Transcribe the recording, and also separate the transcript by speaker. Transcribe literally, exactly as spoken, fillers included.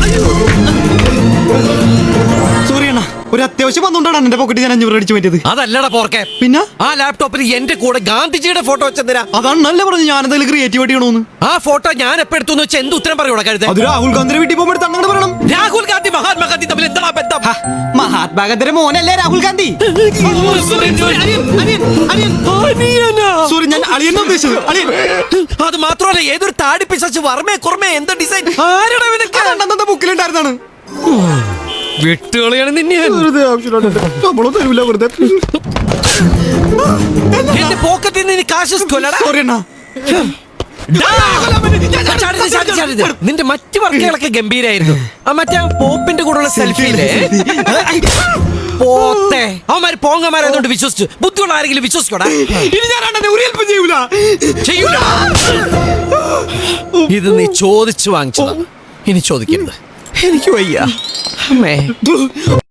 Speaker 1: Sorry അണ്ണാ, ഒരു അത്യാവശ്യം വന്നുകൊണ്ടാണ് എന്റെ പോക്കറ്റ് ഞാൻ അഞ്ഞൂറ് അടിച്ചു പറ്റിയത്.
Speaker 2: അതല്ലടാ പോർക്കെ.
Speaker 1: പിന്നെ
Speaker 2: ആ ലാപ്ടോപ്പിൽ എന്റെ കൂടെ ഗാന്ധിജിയുടെ ഫോട്ടോ വെച്ചെന്തിനാ?
Speaker 1: അതാണ് നല്ല പറഞ്ഞു ഞാൻ എന്തെങ്കിലും ക്രിയേറ്റീവായിട്ട് ചെയ്യണമെന്ന്.
Speaker 2: ആ ഫോട്ടോ ഞാൻ എപ്പോ എടുത്തു വെച്ചാൽ എന്ത് ഉത്തരം പറയൂടാ കരുത്?
Speaker 1: അത് രാഹുൽ ഗാന്ധിയുടെ വീട്ടിൽ പോകുമ്പോൾ അങ്ങനെ പറയണം.
Speaker 2: രാഹുൽ ഗാന്ധി മഹാത്മാഗാന്ധി തമ്മിൽ എന്താ ബന്ധം?
Speaker 1: മഹാത്മാഗാന്ധിയുടെ മോനല്ലേ രാഹുൽ ഗാന്ധി? സോറി, ഞാൻ അളിയനെ ഉദ്ദേശിച്ചത്. അളിയൻ.
Speaker 2: അത് മാത്രമല്ല, ഏതൊരു താടി പിശാച് വർമ്മേ കുർമ്മേ എന്താ ഡിസൈൻ ആരുടെ
Speaker 1: ബുക്കിലുണ്ടായിരുന്നാണ്.
Speaker 2: വിട്ടുകളിയാണ് നിന്നെ. എന്റെ പോക്കറ്റിൽ നിന്ന് കാശ്
Speaker 1: സോറി അണ്ണാ.
Speaker 2: നിന്റെ മറ്റു വർക്കുകളൊക്കെ ഗംഭീരായിരുന്നു. ആ മറ്റേ പോപ്പിന്റെ കൂടെയുള്ള സെൽഫിയിലെ പോത്തെ അവന്മാര് പോങ്ങന്മാരായതുകൊണ്ട് വിശ്വസിച്ചു. ബുദ്ധിയുള്ള ആരെങ്കിലും വിശ്വസിക്കോടാ?
Speaker 1: ഇനി ഞാൻ അണ്ണനെ ഒരു ഹെൽപ്പും ചെയ്യൂല.
Speaker 2: ചെയ്യൂല. ഇത് നീ ചോദിച്ചു വാങ്ങിച്ചതാ, ഇനി ചോദിക്കരുത്. എനിക്ക് വയ്യ അമ്മേ.